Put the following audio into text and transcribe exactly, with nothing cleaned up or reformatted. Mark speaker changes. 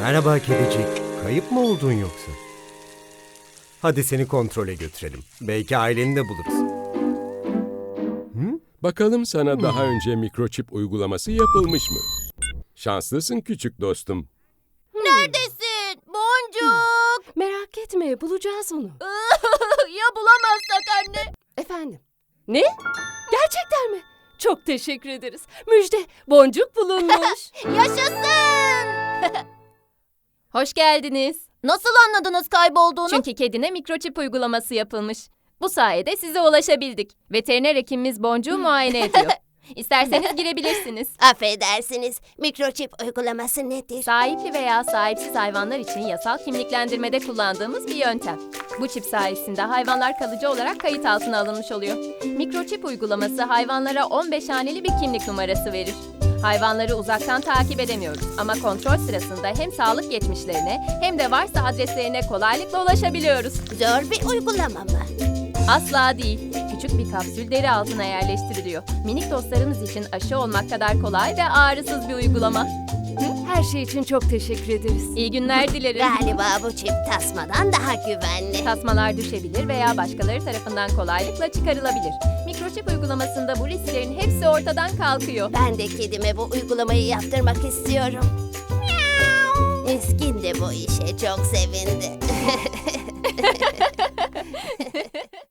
Speaker 1: Merhaba kedicik. Kayıp mı oldun yoksa? Hadi seni kontrole götürelim. Belki aileni de buluruz.
Speaker 2: Bakalım sana daha önce mikroçip uygulaması yapılmış mı? Şanslısın küçük dostum.
Speaker 3: Neredesin? Boncuk!
Speaker 4: Merak etme, bulacağız onu.
Speaker 3: Ya bulamazsak anne?
Speaker 4: Efendim? Ne? Gerçekten mi? Çok teşekkür ederiz. Müjde, boncuk bulunmuş.
Speaker 3: Yaşasın!
Speaker 5: Hoş geldiniz.
Speaker 3: Nasıl anladınız kaybolduğunu?
Speaker 5: Çünkü kedine mikroçip uygulaması yapılmış. Bu sayede size ulaşabildik. Veteriner hekimimiz Boncuğu muayene ediyor. İsterseniz girebilirsiniz.
Speaker 3: Affedersiniz, mikroçip uygulaması nedir?
Speaker 5: Sahipli veya sahipsiz hayvanlar için yasal kimliklendirmede kullandığımız bir yöntem. Bu çip sayesinde hayvanlar kalıcı olarak kayıt altına alınmış oluyor. Mikroçip uygulaması hayvanlara on beş haneli bir kimlik numarası verir. Hayvanları uzaktan takip edemiyoruz ama kontrol sırasında hem sağlık geçmişlerine hem de varsa adreslerine kolaylıkla ulaşabiliyoruz.
Speaker 3: Zor bir uygulama mı?
Speaker 5: Asla değil. Küçük bir kapsül deri altına yerleştiriliyor. Minik dostlarımız için aşı olmak kadar kolay ve ağrısız bir uygulama.
Speaker 4: Her şey için çok teşekkür ederiz.
Speaker 5: İyi günler dilerim.
Speaker 3: Galiba bu çip tasmadan daha güvenli.
Speaker 5: Tasmalar düşebilir veya başkaları tarafından kolaylıkla çıkarılabilir. Mikroçip uygulamasında bu risklerin hepsi ortadan kalkıyor.
Speaker 3: Ben de kedime bu uygulamayı yaptırmak istiyorum. Miskin de bu işe çok sevindi.